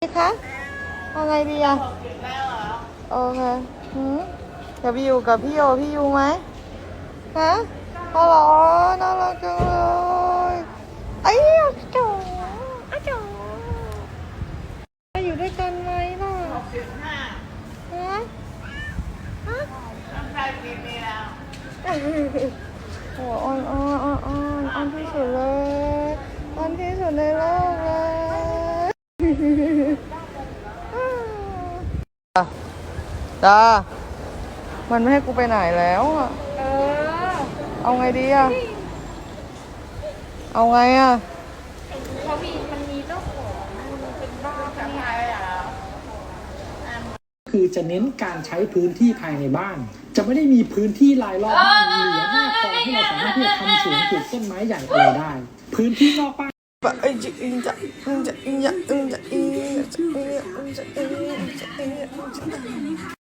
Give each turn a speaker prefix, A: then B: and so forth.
A: คะเอาไงดีอะโอเคจะไปอยู่กับพี่โยพี่ยูไหมฮะฮัลโหลน่ารักจังเลยไอ้จ๋าจ๋าจะอยู่ด้วยกันไหมล่ะฮะฮะโอ้อ่อนอ่อนที่สุดเลยอ่อนที่สุดในโลกเลยจ้ามันไม่ให้กูไปไหนแล้วอ่ะเอาไงดีอ่ะเอาไงอ่ะ
B: มันมีเจ้าของมันเป็นบ้าปะเนี่ย
C: คือจะเน้นการใช้พื้นที่ภายในบ้าน จะไม่ได้มีพื้นที่รายรอบบ้านเหลือหน้าคลองที่เราสามารถที่จะทำสวนปลูกต้นไม้ใหญ่อะไรได้ พื้นที่นอกบ้าน